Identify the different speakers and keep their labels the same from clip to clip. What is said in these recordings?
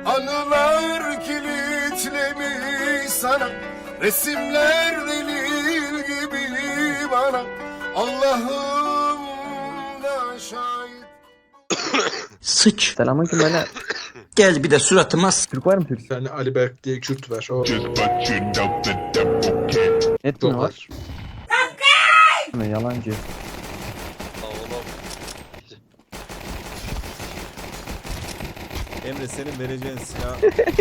Speaker 1: Anılar kilitlemiş sana, resimler delil gibi bana. Allah'ım da şahit.
Speaker 2: Sıç.
Speaker 3: Selamünaleyküm böyle.
Speaker 2: Gel bir de suratıma
Speaker 3: Türk var mı Türk?
Speaker 4: Bir tane Ali Berk diye Kürt var. O
Speaker 3: Net mi
Speaker 4: çok
Speaker 3: var?
Speaker 4: var.
Speaker 3: Mi? Yalancı.
Speaker 5: Emre senin vereceğin silah.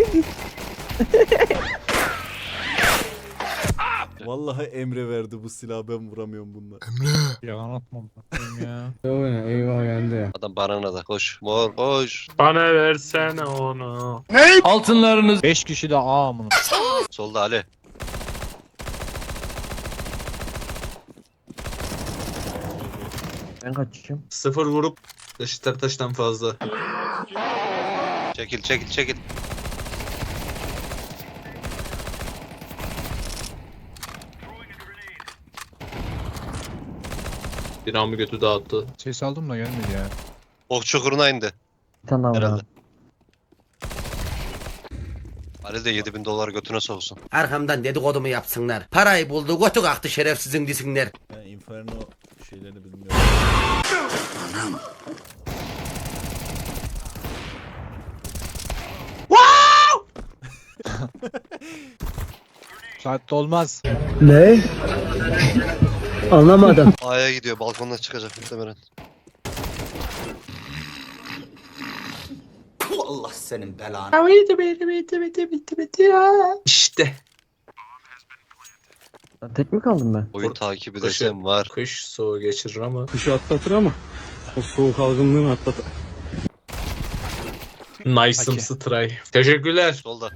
Speaker 5: Vallahi Emre verdi bu silahı, ben vuramıyorum bununla.
Speaker 6: Yalan atmam ya.
Speaker 7: Adam banana da koş. Mor koş.
Speaker 6: Bana versene onu.
Speaker 2: altınlarınız
Speaker 6: 5 kişi de A mı?
Speaker 7: Solda Ali.
Speaker 3: Ben kaçacağım.
Speaker 4: 0 vurup eşitler taştan fazla.
Speaker 7: Çekil çekil çekil.
Speaker 4: Bir amı götü dağıttı.
Speaker 6: Ses aldım da gelmedi ya.
Speaker 7: Ok çukuruna indi.
Speaker 3: Bir tane daha var.
Speaker 7: Herhalde.
Speaker 3: abi.
Speaker 7: Ali de 7.000 dolar götüne soksun.
Speaker 2: arkamdan dedikodumu yapsınlar. Parayı buldu götü kalktı şerefsizin disinler.
Speaker 5: Ben Inferno şeylerini bilmiyorum.
Speaker 6: Saatte olmaz.
Speaker 7: A'ya gidiyor, balkondan çıkacak muhtemelen.
Speaker 2: Allah senin belanı.
Speaker 4: İşte.
Speaker 3: Ben tek mi kaldım ben?
Speaker 7: Oyun takibi desem var.
Speaker 4: Kış soğuğu geçirir ama.
Speaker 8: Kışı atlatır ama o soğuk algınlığını atlatır.
Speaker 4: Nice'ımsı try. Teşekkürler.
Speaker 7: Solda.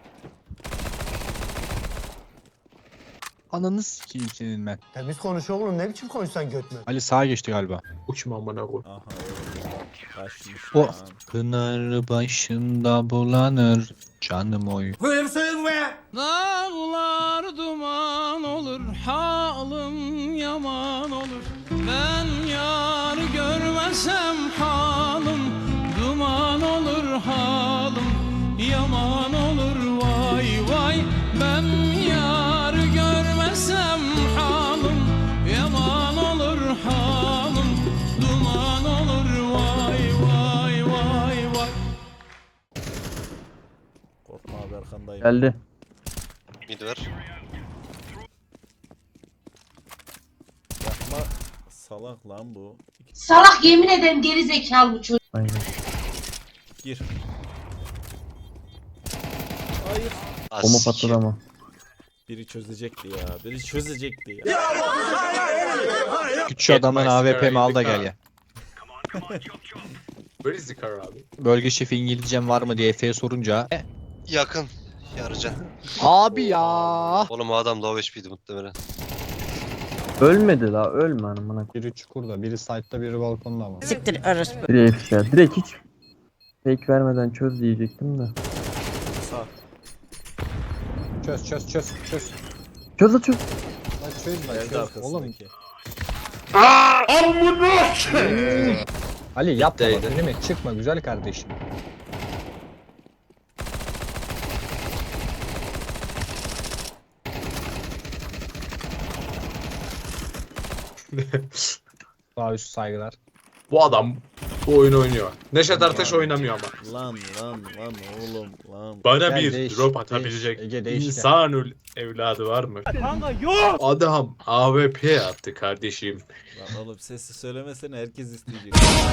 Speaker 6: Ananı sikeyim senin ben.
Speaker 9: Temiz konuşuyor oğlum, ne biçim konuşsan götme.
Speaker 6: Ali sağa geçti galiba.
Speaker 4: Uçma amına koy.
Speaker 5: Aha öyle. Kaçmış
Speaker 6: O.
Speaker 5: lan.
Speaker 6: Pınar başında bulanır canım oy.
Speaker 10: Dağlar duman olur, halim yaman olur. Ben yar görmesem halim duman olur, halim yaman olur. Vay vay, ben yar görmesem halim yaman olur, halim duman olur. Vay vay vay vay.
Speaker 5: Korkma abi, arkandayım.
Speaker 3: Geldi.
Speaker 7: Mid ver.
Speaker 5: Yapma, salak lan bu.
Speaker 11: Salak, yemin ederim geri zekalı bu çocuk.
Speaker 3: Aynen.
Speaker 5: Gir. Hayır.
Speaker 3: Bomba patladı ama.
Speaker 5: Biri çözecekti ya. Biri çözecekti ya.
Speaker 6: Küçük adamın AWP'mi al da gel ya.
Speaker 4: Where is the car abi?
Speaker 6: Bölge şefi İngilizcem var mı diye Efe'ye sorunca.
Speaker 7: Yakın. Yarıcan.
Speaker 6: Abi ya.
Speaker 7: Oğlum o adam low HP'di muhtemelen.
Speaker 3: Ölmedi la, ölme hanımına.
Speaker 6: Biri çukurda, biri side'da, biri balkonda ama.
Speaker 2: Siktir arası.
Speaker 3: Biri ifşa. Direkt hiç fake vermeden çöz diyecektim de.
Speaker 5: Sağ.
Speaker 6: Çöz.
Speaker 3: Çöz la çöz.
Speaker 6: Lan çöz lan
Speaker 5: Geldi
Speaker 6: çöz. Oğlum.
Speaker 5: arkasındaki.
Speaker 6: Ali yapma bak,
Speaker 4: Değdi.
Speaker 6: önüme çıkma güzel kardeşim. Sağ üst saygılar.
Speaker 4: Bu adam bu oyunu oynuyor. Neşet Ertaş oynamıyor ama.
Speaker 5: Lan oğlum lan.
Speaker 4: Bana
Speaker 6: Gel,
Speaker 4: bir
Speaker 6: değiş,
Speaker 4: drop
Speaker 6: değiş.
Speaker 4: atabilecek
Speaker 6: Ege, değiş de.
Speaker 4: insanül evladı var mı? Adam AWP attı kardeşim.
Speaker 5: Lan oğlum sesi söylemesene, herkes isteyecek.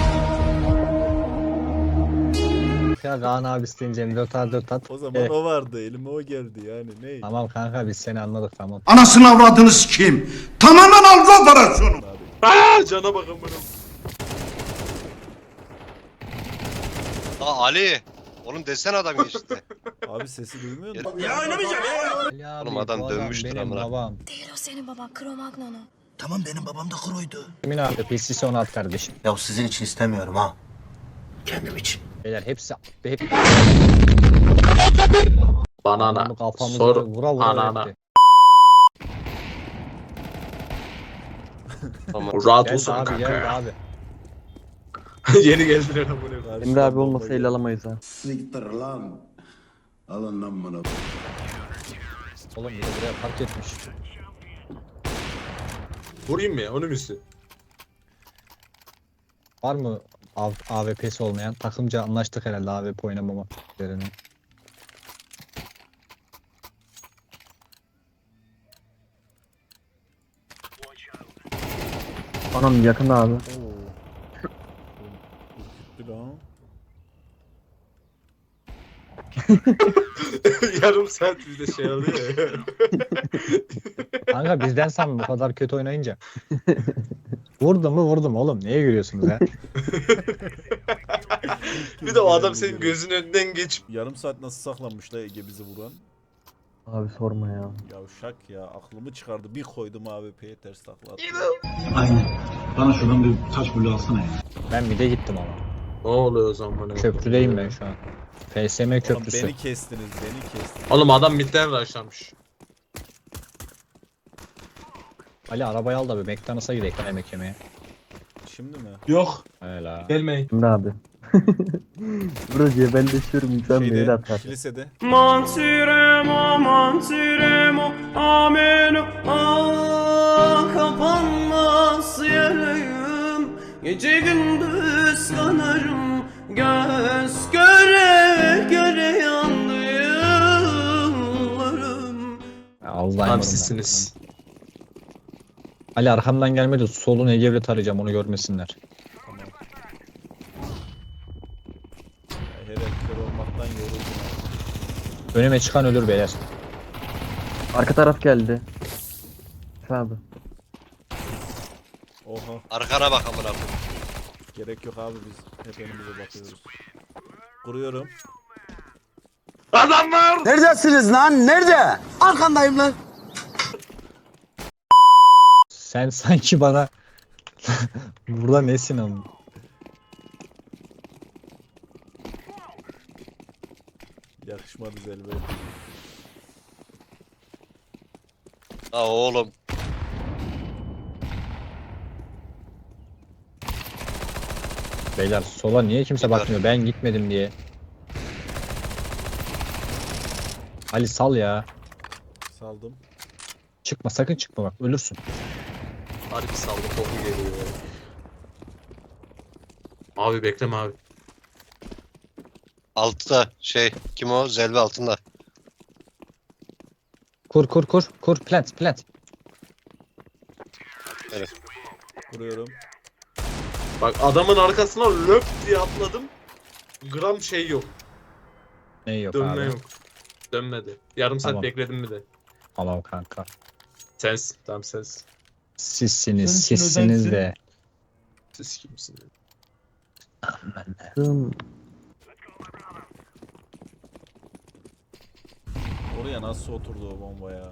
Speaker 6: Ya Kaan abi isteyince M4 at.
Speaker 5: O zaman o vardı, elime o geldi yani, ne?
Speaker 6: Tamam kanka biz seni anladık tamam.
Speaker 9: Anasını avradını sikeyim. Tamamen algı operasyonu.
Speaker 4: Aaa cana bakın bunu.
Speaker 7: Aa Ali. Oğlum desene adam geçti.
Speaker 5: Abi sesi duymuyor musun?
Speaker 6: Ali abi,
Speaker 7: Oğlum adam
Speaker 6: bu
Speaker 7: dönmüştür
Speaker 6: benim
Speaker 7: amına.
Speaker 6: babam.
Speaker 11: Değil o senin baban, Kromagnono.
Speaker 9: Tamam, benim babam da kroydu.
Speaker 6: Kimin abi PC'si onu at kardeşim.
Speaker 9: Ya sizin için istemiyorum ha. Kendim için.
Speaker 6: Beyler hepsi hep
Speaker 4: Banana.
Speaker 6: kafamıza
Speaker 4: Sor
Speaker 6: vura vura
Speaker 4: anana.
Speaker 6: öğretti.
Speaker 7: Tamam.
Speaker 4: Rahat
Speaker 6: Geldi
Speaker 4: olsun
Speaker 6: abi
Speaker 4: kanka
Speaker 6: geldi
Speaker 4: ya.
Speaker 6: abi.
Speaker 4: Yeni geldiler amına.
Speaker 5: Karşıdan
Speaker 3: Emre abi
Speaker 5: bomba
Speaker 3: olmasa
Speaker 5: geliyor.
Speaker 3: ele alamayız ha.
Speaker 1: Siktir lan. Alın lan bunu.
Speaker 6: Oğlum bir de buraya park etmiş.
Speaker 4: Vurayım mı ya? Onun üstü.
Speaker 6: Var mı AWP'si olmayan? Takımca anlaştık herhalde AWP oynamama üzerine.
Speaker 3: Anam yakın abi.
Speaker 5: Oo. Ürküttü lan.
Speaker 4: Yarım saat bizde şey alıyor ya.
Speaker 6: Kanka bizden sanma bu kadar kötü oynayınca. Vurdum mu vurdum oğlum. Neye gülüyorsunuz ya?
Speaker 4: Bir de o adam senin gözünün önünden geçip
Speaker 5: Yarım saat nasıl saklanmış la Ege bizi vuran?
Speaker 3: Abi sorma ya.
Speaker 5: Yavşak ya aklımı çıkardı. Bir koydum AWP'ye ters takla attı.
Speaker 8: Aynen. Bana şuradan bir taş bulu alsana ya.
Speaker 6: Ben bir de gittim ama.
Speaker 4: ne oluyor o zaman bana?
Speaker 6: Köprüdeyim ben şu an. FSM
Speaker 5: Oğlum
Speaker 6: köprüsü.
Speaker 5: beni kestiniz beni kestiniz.
Speaker 4: Oğlum adam midden rushlamış.
Speaker 6: Ali arabayı al da bir McDonald's'a gidelim yemek yemeye.
Speaker 5: Şimdi mi?
Speaker 4: Yok.
Speaker 6: Öyle.
Speaker 4: Gelmeyin.
Speaker 3: Emre abi. Burada cebelleşiyorum insan mail atar.
Speaker 5: kilisede.
Speaker 10: Mantiremo, mantiremo, ameno, ah kapanmaz yarayım. Gece gündüz kanarım, göz göre göre yandı yıllarım.
Speaker 6: Alzheimer'ım
Speaker 4: Tam
Speaker 6: ben.
Speaker 4: sizsiniz.
Speaker 6: Ali arkamdan gelmedi. Solun Ege'yle tarayacağım onu görmesinler.
Speaker 5: Tamam. Her kör olmaktan yoruldum.
Speaker 6: Önüme çıkan ölür beyler.
Speaker 3: Arka taraf geldi. Şu abi.
Speaker 5: Oha
Speaker 7: Arkana bak amına koyayım.
Speaker 5: gerek yok abi biz hep önümüze bakıyoruz. Kuruyorum.
Speaker 9: Neredesiniz lan? Nerede? Arkandayım lan.
Speaker 6: Sen sanki bana burada nesin ama?
Speaker 5: Yakışmadı Zelbe.
Speaker 7: Ha oğlum.
Speaker 6: Beyler sola niye kimse
Speaker 7: Gider.
Speaker 6: bakmıyor? Ben gitmedim diye. Ali sal ya.
Speaker 5: Saldım.
Speaker 6: Çıkma sakın çıkma bak ölürsün.
Speaker 4: Harbi saldı koku geliyor. Abi bekleme abi.
Speaker 7: Altta şey kim o? Zelve altında.
Speaker 6: Kur plant.
Speaker 5: Kuruyorum.
Speaker 4: Bak adamın arkasına löp diye atladım. Gram şey yok.
Speaker 6: Ne yok
Speaker 4: Dönme
Speaker 6: abi.
Speaker 4: yok. Dönmedi. Yarım saat
Speaker 6: Tamam.
Speaker 4: bekledim bir de.
Speaker 6: Tamam kanka.
Speaker 4: Sensin. Tamam sensin.
Speaker 6: Sizsiniz de.
Speaker 4: Siz kimsiniz?
Speaker 6: Ben de.
Speaker 5: Oraya nasıl oturdu o bomba ya?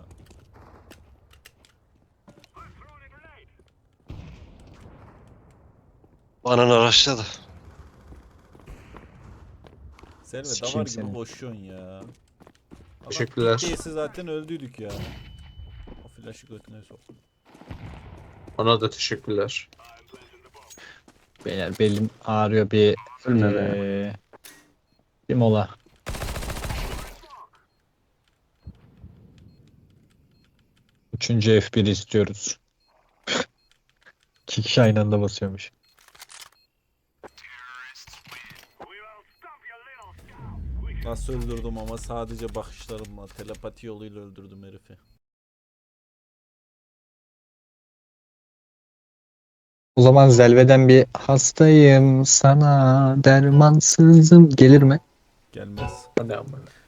Speaker 7: Banana araçladı.
Speaker 5: Selve
Speaker 6: Sikeyim
Speaker 5: davar gibi
Speaker 6: seni.
Speaker 5: koşuyorsun ya.
Speaker 4: Teşekkürler.
Speaker 5: Değilse zaten öldüydük ya. O flaşı götüne soktum.
Speaker 4: Ona da teşekkürler.
Speaker 6: Beyler belim ağrıyor bir
Speaker 3: Ölme be.
Speaker 6: bir mola. Üçüncü F1 istiyoruz. İki kişi aynı anda basıyormuş.
Speaker 5: Nasıl öldürdüm ama sadece bakışlarımla, telepati yoluyla öldürdüm herifi.
Speaker 6: O zaman Zelve'den bir hastayım sana dermansızım gelir mi?
Speaker 5: Gelmez.
Speaker 4: Hadi amına.